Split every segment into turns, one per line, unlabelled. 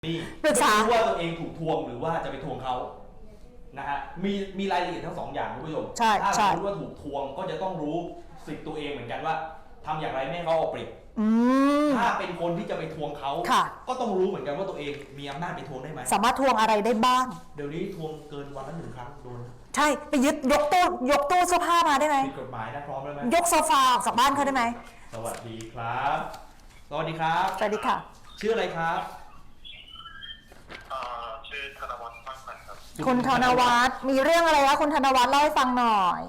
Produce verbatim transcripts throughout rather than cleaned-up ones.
นี่
ปรึกษา
ว่าตัวเองถูกทวงหรือว่าจะไปทวงเขานะฮะมีมีรายละเอียดทั้งสองอย่างคุณผู้ชม
ใช่
ถ้า
ใช่
รู้ว่าถูกทวงก็จะต้องรู้สิทธิ์ตัวเองเหมือนกันว่าทำอย่างไรไม่ให้เขาเอาเปรียบถ้าเป็นคนที่จะไปทวงเขาก็ต้องรู้เหมือนกันว่าตัวเองมีอำนาจไปทวงได้ไหม
สามารถทวงอะไรได้บ้าง
เดี๋ยวนี้ทวงเกินวันละหนึ่งครั้งโดน
ใช่ไปยึดยกตู้ยกตู้เสื้อผ้ามาได้ไหม
ผิดกฎหมายนะพร้อมแล้วไหม
ยกโซฟาออกจากบ้านเขาได้ไหม
สวัสดีครับสวัสดีครับ
สวัสดีค่ะ
ชื่ออะไรครับ
ชื่อธนวัฒน์มากพันครับ
คุณธนวัฒน์มีเรื่องอะไรคะคุณธนวัฒน์เล่าให้ฟังหน่อย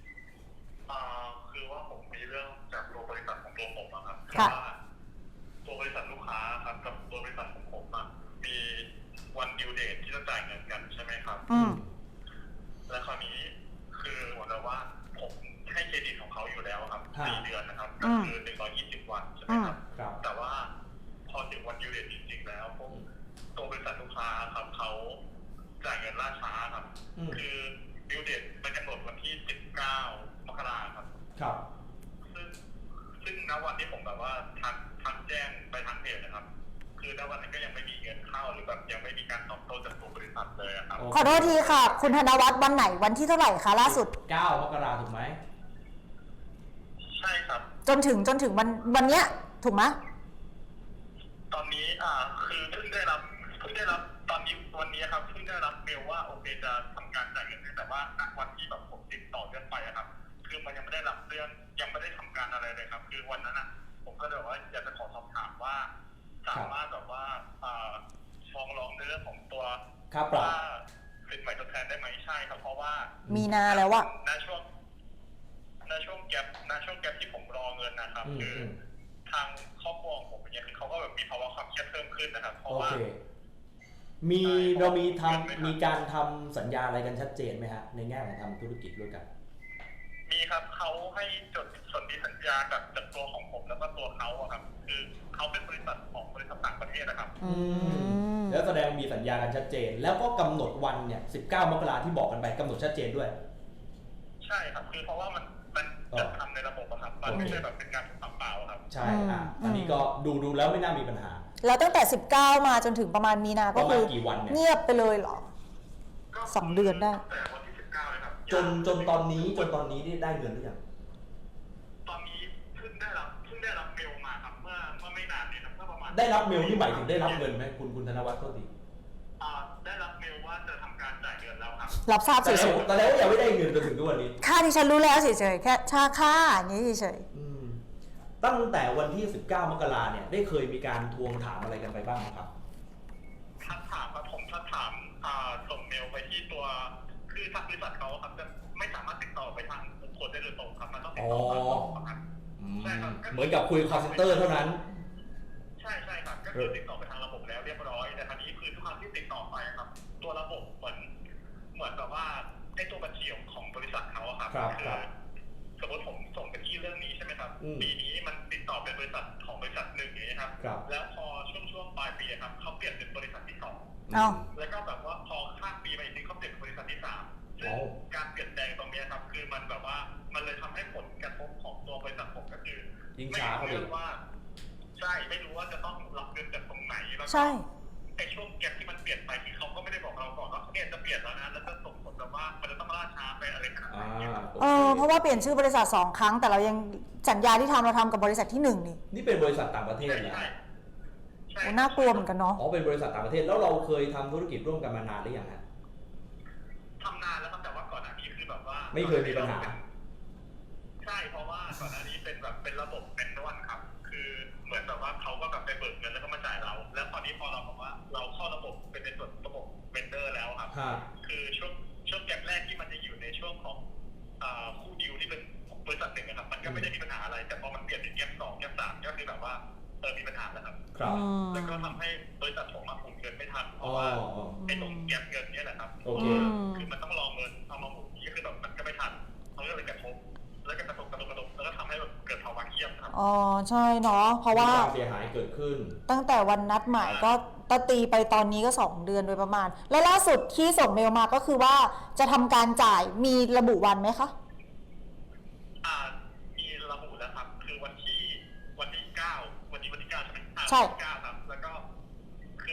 คือว่าผมมีเรื่องจากตัวบริษัทของตัวผมนะครับว่าตัวบริษัทลูกค้าครับกับตัวบริษัทของผมมีวันดิวเดทที่จะจ่ายเงินกันใช่ไหมครับ
อืม
และคราวนี้คือเหมือนกับว่าผมให้เครดิตของเขาอยู่แล้วครับสี่เดือนนะครับก็คือหนึ่งร้อยยี่สิบวันใช่ไหมครับแต่ว่าพอถึงวันดิวเดทจริงๆแล้วผมตัวบริษัทลูกค้าครับเขาจ่ายเงินล่าช้าครับคือดิวเดทมันกำหนดวันที่สิบเก้ามกราคมครับ
ครับ
ซึ่งซึ่งณวันที่ผมแบบว่าทักทักแจ้งไปทางเพจนะครับคือณวันนั้นก็ยังไม่มีเงินเข้าหรือแบบยังไม่มีการตอบโต้จากตัวบริษัทเลยครับ
ขอโทษทีค่ะคุณธนวัฒน์วันไหนวันที่เท่าไหร่คะล่าสุด
เก้ามกราถูกไหม
ใช่ครับ
จนถึงจนถึงวันวันเนี้ยถูกไหม
ตอนนี้อ่าคือเพิ่งได้รับเพิ่งได้รับตอนนี้วันนี้ครับเพิ่งได้รับเมลว่าโอเคจะทำการจ่ายเงินแต่ว่าณวันที่แบบผมติดต่อเรื่องไปครับคือมันยังไม่ได้รับเรื่องยังไม่ได้ทำการอะไรเลยครับคือวันนั้นอ่ะผมก็เลยว่าอยากจะขอสอบถามว่าสามารถแบบว่าฟ้องร้องในเรื่องของตัวว่าสินใหม่ทดแทนได้ไหมใช่ครับเพราะว่า
มีนาแล้วว่า
ในช่วงในช่วงแก๊ปในช่วงแก๊ปที่ผมรอเงินนะครับคือทางครอบครัวของผมอย่างเงี้ยคือเขาก็แบบมีภาวะความเครียดเพิ่มขึ้นนะครับเพราะว่า
มีเรามีทำมีการทำสัญญาอะไรกันชัดเจนไหมฮะในแง่ของทำธุรกิจด้วยกัน
มีครับเขาให้จดสนธิสัญญากับจากตัวของผมแล้วก็ตัวเขาอะครับคือเขาเป็นบริษัทของบริษัทต่างประเทศนะครับ
อืมแล้วแสดงมีสัญญากันชัดเจนแล้วก็กำหนดวันเนี่ยสิบเก้ามกราที่บอกกันไปกำหนดชัดเจนด้วย
ใช่ครับคือเพราะว่ามันมันจะทำในระบบอะครับมันไม่ใช่แบบเป็นการทำเปล่าครับ
ใช่อ่ะอันนี้ก็ดูดูแล้วไม่น่ามีปัญหา
แล้วตั้งแต่สิบเก้ามาจนถึงประมาณมีนาก็คือ
กี่วันเนี่ย
เงียบไปเลยเหรอสองเดือนได้
แต่วันที่สิบเก้าเลยครับ
จนจนตอนนี้จนตอนนี้ได้เงินหรือยัง
ตอนนี้เพิ่งได้รับเพิ่งได้รับเมลมาครับเมื่อเมื่อไม่นานนี้ครับเมื่อประมาณ
ได้รับเมลนี่หมายถึงได้รับเงินไหมคุณคุณธนวัฒน์ก็ดี
ได้รับเมลว่าจะทำการจ่ายเงินแล้วครับ
รับทราบเฉย
ๆแต่แล้วยังไม่ได้เงินจนถึงทุกวันนี้
ค่าที่ฉันรู้แล้วเฉยๆแค่ค่าค่าอย่างนี้เฉย
ๆตั้งแต่วันที่สิบเก้ามกราเนี่ยได้เคยมีการทวงถามอะไรกันไปบ้างครับ
ทักถามครับผมทักถามส่งเมลไปที่ตัวคือทางบริษัทเขาครับจะไม่สามารถติดต่อไปทางบุคคลได้โดยตรงครับมันต้องติดต่อผ่านระบบครับ
ใช่ครับเหมือนกับคุยคอลเซ็นเตอร์เท่านั้น
ใช่ใช่ครับก็คือติดต่อไปทางระบบแล้วเรียบร้อยแต่คราวนี้คือทุกครั้งที่ติดต่อไปครับตัวระบบเหมือนเหมือนแบบว่าไอ้ตัวบัญชีของบริษัทเขาครับคือสมมติผมส่งไปที่เรื่องนี้ใช่ไหมครับปีนี้มันติดต่อเป็นบริษัทของบริษัทหนึ่งอย่างนี้ครับแล้วพอช่วงช่วงปลายปีครับเขาเปลี่ยนเป็นบริษัทที่สองแล้วก็แบบว่าพอข้ามปีไปอีกทีเขาเปลี่ยนบริษัทที่สามซึ่งการเปลี่ยนแปลงตรงนี้ครับคือมันแบบว่ามันเลยทำให้ผลกระทบของตัวบริษัทผมก็คือไม่รู้ว่าใช่ไม่รู้ว่าจะต้องรับเงินจากตรงไหนแล้วก็ไอ้ช่วงแก็บที่มันเปลี่ยนไปคือเขาก็ไม่ได้บอกเราก่อนว่าเนี่ยจะเปลี่ยนแล้วนะแล้วจะส่งผลแบบว่ามันจะต้องล่าช้าไปอะไรขนาดนี้
เออเพราะว่าเปลี่ยนชื่อบริษัทสองครั้งแต่เรายังสัญญาที่ทำเราทำกับบริษัทที่หนึ่งนี่
นี่เป็นบริษัทต่างประเทศนะ
โอ้น่ากลัวเหมือนกันเนาะ
อ๋อเป็นบริษัทต่างประเทศแล้วเราเคยทำธุรกิจร่วมกันมานานหรือยังฮะ
ทำนานแล้วครับแต่ว่าก่อนหน้านี้คือแบบว่า
ไม่เคยมีปัญหา
ใช่เพราะว่าก่อนหน้านี้เป็นแบบเป็นระบบเป็นนวลครับคือเหมือนแบบว่าเขาก็แบบไปเบิกเงินแล้วก็มาจ่ายเราแล้วตอนนี้พอเราบอกว่าเราเข้าระบบเป็นในส่วนระบบเวนเดอร์แล้วครับคือช่วงช่วงแกลแรกที่มันจะอยู่ในช่วงของคู่ดิวที่เป็นบริษัทหนึ่งนะครับมันก็ไม่ได้มีปัญหาอะไรแต่พอมันเปลี่ยนเป็นแกลสองแกลสามก็คือแบบว่าเออมีปัญหาแล้วครับแล้วก็ทำให้บริษัทผมมาหมุนเงินไม่ทันเพราะว่าไอ้ตรงแกลเงินนี่แหละครับคือมันต้องรอเงินเอามาหมุนนี่คือแบบมันก็ไม่ทันเขาก็เลยกระทบแล้วก็กระทบกระทบกระทบแล้วก็ทำให้แบบเกิดภาวะเครียดครับ
อ๋อใช่เนาะเพราะว่า
เสียหายเกิดขึ้น
ตั้งแต่วันนัดหมายก็ตตีไปตอนนี้ก็สองเดือนโดยประมาณและล่าสุดที่ส่งเมลมาก็คือว่าจะทำการจ่ายมีระบุวันไหมคะ
อ่ามีระบุแล้วครับคือวันที่วันที่เก้าวันนี้วันที่เก้าใช่ไหม
ใช่
เก้าครับแล้วก็คือหมายถึงว่า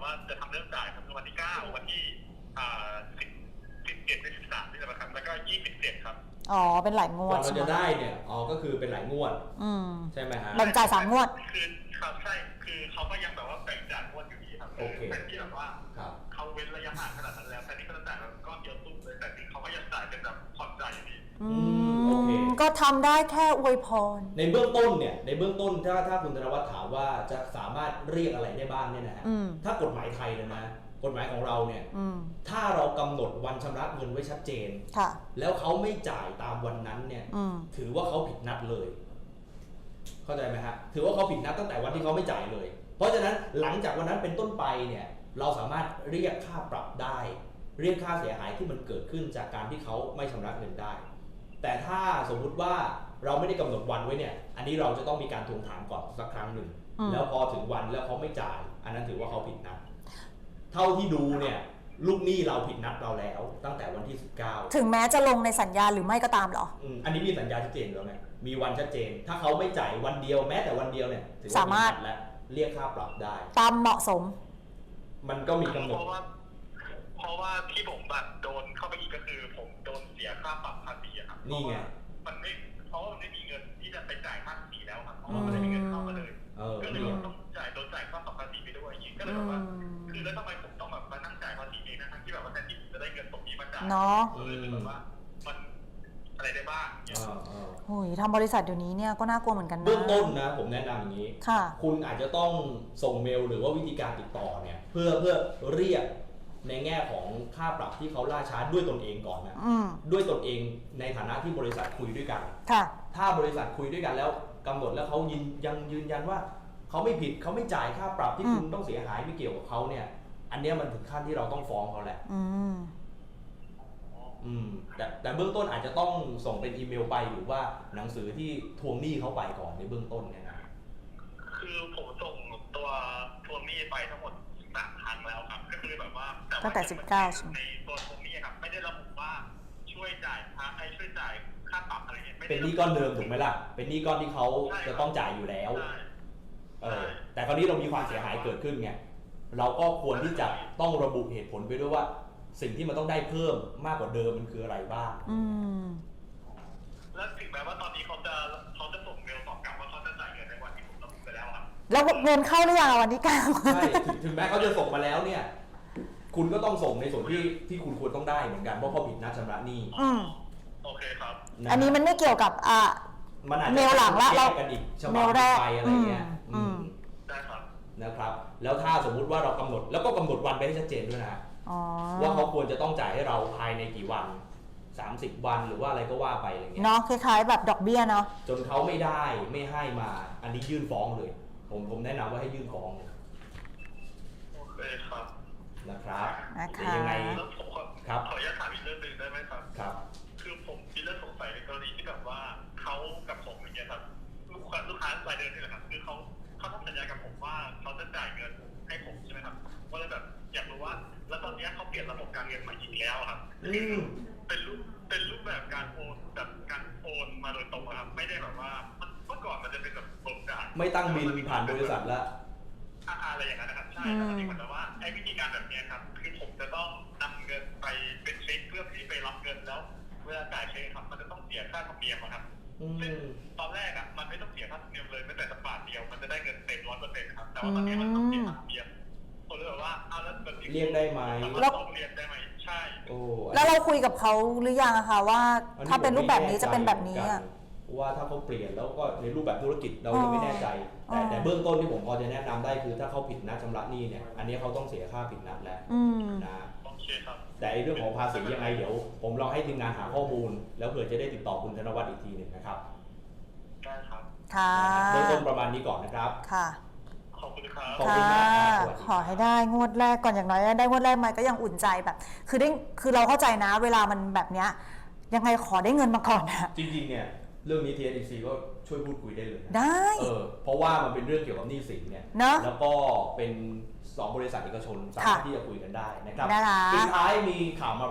ว่าจะทำเรื่องจ่ายครับวันที่เก้าวันที่อ่าสิบสิบเจ็ดสิบสามนี่แหละครับแล้วก็ยี่สิบเจ็ดครับ
อ๋อเป็นหลายง
ก
วด
ว่าเรา
ใช่ไหม
จะได้เนี่ยอ๋อก็คือเป็นหลายงวด
อืม
ใช่ไหมฮะ
แบ่งจ่ายสามงวด
คือครับใช่คือเขาก็ยังแบบว่าแบ่งจ่ายงวดอยู่ดีครับ
โอเค
แต่ที่แบบว่า
ครับ
เขาเว้นระยะห่างขนาดนั้นแล้วแต่นี่ก็จะจ่ายแบบก้อนเดียวตุ้มเลยแต่นี่เขาก็ยังจ่ายเป็นแบบผ่อนจ่ายอยู่ดี
อื
โอเค
มก็ทำได้แค่อวยพร
ในเบื้องต้นเนี่ยในเบื้องต้นถ้าถ้าคุณธนวัฒน์ถามว่าจะสามารถเรียกอะไรได้บ้างเนี่ยนะฮะ
อืม
ถ้ากฎหมายไทยเลยนะกฎหมายของเราเนี่ย
อืม
ถ้าเรากำหนดวันชำระเงินไว้ชัดเจน
ค่ะ
แล้วเขาไม่จ่ายตามวันนั้นเนี่ย
อืม
ถือว่าเขาผิดนัดเลย เข้าใจไหมฮะถือว่าเขาผิดนัดตั้งแต่วันที่เขาไม่จ่ายเลย เพราะฉะนั้นหลังจากวันนั้นเป็นต้นไปเนี่ยเราสามารถเรียกค่าปรับได้ เรียกค่าเสียหายที่มันเกิดขึ้นจากการที่เขาไม่ชำระเงินได้ แต่ถ้าสมมุติว่าเราไม่ได้กำหนดวันไว้เนี่ย อันนี้เราจะต้องมีการทวงถามก่อนสักครั้งหนึ่ง
อืม
แล้วพอถึงวันแล้วเขาไม่จ่าย อันนั้นถือว่าเขาผิดนัด เท่าที่ดูเนี่ยลูกหนี้เราผิดนัดเราแล้วตั้งแต่วันที่สิบเก้า
ถึงแม้จะลงในสัญญาหรือไม่ก็ตามเหรอ
อืมอันนี้มีสัญญาชัดเจนแล้วไง มีวันชัดเจน ถ้าเขาไม่จ่ายวันเดียวแม้แต่วันเดียวเนี่ยถือว่า
สามารถ
ผิดนัดและเรียกค่าปรับได้
ตามเหมาะสม
มันก็มีกำหน
เพ
ด
ราะว่าเพราะว่าที่ผมแบบโดนเข้าไปอีกก็คือผมโดนเสียค่าปรับภาษีอะครับ
นี่ไง
มันไม่เพราะว่ามันไม่มีเงินที่จะไปจ่ายค่าภาษีแล้วครับเพราะว่ามันไม่มีเงินเข้ามาเลย
เออ
ก็เลยต้องจ่ายโดนจ่ายค่าปรับภาษีไปด้วยอย่างนี้ก็เลยแบบว่าคือแล้วทำไมผมต้องแบบมานั่งจ่ายภาษีเองนะทั้งที่แบบว่าแทนที่ผมจะได้เงินตรงนี้มาจ่าย
เนาะ
ก็เลยแบบว่ามันอะไรได้บ้างเนี่ย
อ่าอ่า
โอ้ยทำบริษัทเดี๋ยวนี้เนี่ยก็น่ากลัวเหมือนกันนะ
เบื้องต้นนะผมแนะนำอย่างนี้
ค่ะ
คุณอาจจะต้องส่งเมลหรือว่าวิธีการติดต่อเนี่ยเพื่อเพื่อเรียกในแง่ของค่าปรับที่เขาล่าช้าด้วยตนเองก่อนนะ
อืม
ด้วยตนเองในฐานะที่บริษัทคุยด้วยกัน
ค่ะ
ถ้าบริษัทคุยด้วยกันแล้วกำหนดแล้วเขายืนยังยืนยันว่าเขาไม่ผิดเขาไม่จ่ายค่าปรับที่
อืม
คุณต้องเสียหายไม่เกี่ยวกับเขาเนี่ย อันเนี้ยมันถึงขั้นที่เราต้องฟ้องเขาแหละ
อืม
อืมแต่แต่เบื้องต้นอาจจะต้องส่งเป็นอีเมลไปหรือว่าหนังสือที่ทวงหนี้เขาไปก่อนในเบื้องต้นเนี่ยนะ
คือผมส่งตัวทวงหนี้ไปทั้งหมดสามครั้งแล้วครับก็คือแบบว่า
ตั้งแต่สิบเก้าใช่ไหม
ในตัวทวงหนี้ครับไม่ได้ระบุว่าช่วยจ่ายค่าไอ้ช่วยจ่ายค่าปรับอะไรเงี้ยไม่ได้
เป็นหนี้ก้อนเดิมถูกไหมล่ะ เป็นหนี้ก้อนที่เขาจะต้องจ่ายอยู่แล้ว
ใช่
เออแต่คราวนี้เรามีความเสียหายเกิดขึ้นไง เราก็ควรที่จะต้องระบุเหตุผลไปด้วยว่า สิ่งที่มันต้องได้เพิ่มมากกว่าเดิมมันคืออะไรบ้าง
อืม
แล้วถึงแม้ว่าตอนนี้เขาจะเขาจะส่งเมลตอบกลับว่าเขาจะจ่ายเงินในวันที่ผมระบุไปแล้วครับ
แล้วเงินเข้าหรือยังวันที่เก้า
ใช่ถึงถึงแม้เขาจะส่งมาแล้วเนี่ย คุณก็ต้องส่งในส่วนที่ที่คุณควรต้องได้เหมือนกันเพราะเขาผิดนัดชำระหนี้
อืม
โอเคครับ
ะ
อันนี้มันไม่เกี่ยวกับอ่ะ
มันอาจจะ
เมลหลังละเรา
แยกกันอีกฉบับ
เมลแรก
ไปอะไรเงี้ย
อืม
อืม
ได้ครับ
นะครับ แล้วถ้าสมมุติว่าเรากำหนดแล้วก็กำหนดวันไปให้ชัดเจนด้วยนะ
อ๋อ
ว่าเขาควรจะต้องจ่ายให้เราภายในกี่วัน สามสิบ วันหรือว่าอะไรก็ว่าไปอะไรเงี้ย
เนาะคล้ายๆแบบดอกเบี้ยเนาะ
จนเขาไม่ได้ไม่ให้มา อันนี้ยื่นฟ้องเลย ผมผมแนะนำว่าให้ยื่นฟ้องเลย
โอเคครับ
นะครับ
นะคะ
เดี๋ยวยังไง
แล้วผมขอ
ครับ
ขออนุญาตถามอีกเรื่องหนึ่งได้ไหมครับ
ครับ
คือผมมีเรื่องสงสัยในกรณีที่แบบว่าเขากับผมอย่างเงี้ยครับลูกค้าลูกค้ารายเดือนนี่แหละครับคือเขาเขาต้องสัญญากับผมว่าเขาจะจ่ายเงินให้ผมใช่ไหมครับก็เลยแบบอยากรู้ว่า แล้วตอนเนี้ยเขาเปลี่ยนระบบการเงินใหม่อีกแล้วครับ
อืม
เป็นรูปเป็นรูปแบบการโอนแบบการโอนมาโดยตรงอะครับไม่ได้แบบว่ามันเมื่อก่อนมันจะเป็นแบบโอนจ่าย
ไม่ตั้งบินผ่านบริษัทแล้ว
อาอะไรอย่างนั้นนะครับใช่แต่ตอนนี้เหมือนกับว่าไอ้วิธีการแบบเนี้ยครับคือผมจะต้องนำเงินไปเป็นเช็คเพื่อที่ไปรับเงินแล้วเวลาจ่ายเช็คครับมันจะต้องเสียค่าธรรมเนียมอะครับ
อื
ซึ่ง
ม
ตอนแรกอ่ะมันไม่ต้องเสียค่าธรรมเนียมเลยแม้แต่สักบาทเดียวมันจะได้เงินเต็มร้อยเปอร์เซ็นต์ครับแต่ว่าตอนนี้มันต้องเสียค่าธรรมเนียมผมเลยแบบว่าเอาแล้วแบบนี้
เรียกได้ไหม
เราต้องเรียนได้ไหมใช่
โอ้
แล้วเราคุยกับเขาหรือยังอะคะว่า ถ้าเป็นรูปแบบนี้จะเป็นแบบนี้อะ
ว่าถ้าเขาเปลี่ยนแล้วก็ในรูปแบบธุรกิจเรายังไม่แน่ใจ แต่
อ๋อ
แต่เบื้องต้นที่ผมพอจะแนะนำได้คือถ้าเขาผิดนัดชำระหนี้เนี่ย อันนี้เขาต้องเสียค่าผิดนัดแล้ว
อืม
นะ
โอเคครับ
แต่ไอ้เรื่องของภาษียังไงเดี๋ยว ผมลองให้ทีมงานหาข้อมูล แล้วเผื่อจะได้ติดต่อคุณธนวัฒน์อีกทีหนึ่งนะครับ
ได้ครับ
ค่ะ
เบื้องต้นประมาณนี้ก่อนนะครับ
ค่ะ
ขอบคุณครับ
ขอบคุณมากครับสวัสดีครับ
ขอให้ได้งวดแรกก่อนอย่างน้อยได้งวดแรกมาก็ยังอุ่นใจแบบ คือได้คือเราเข้าใจนะ เวลามันแบบเนี้ยยังไงขอได้เงินมาก่อนนะ
จริงๆเนี่ยเรื่องนี้ ที เอส อี ซี ก็ช่วยพูดคุยได้เลยนะ
ได้
เออเพราะว่ามันเป็นเรื่องเกี่ยวกับหนี้สินเนี่ย
เนอะ
แล้วก็เป็นสองบริษัทเอกชนสามารถที่จะคุยกันได้นะครับ
ได้ละ
สุดท้ายมีข่าวมา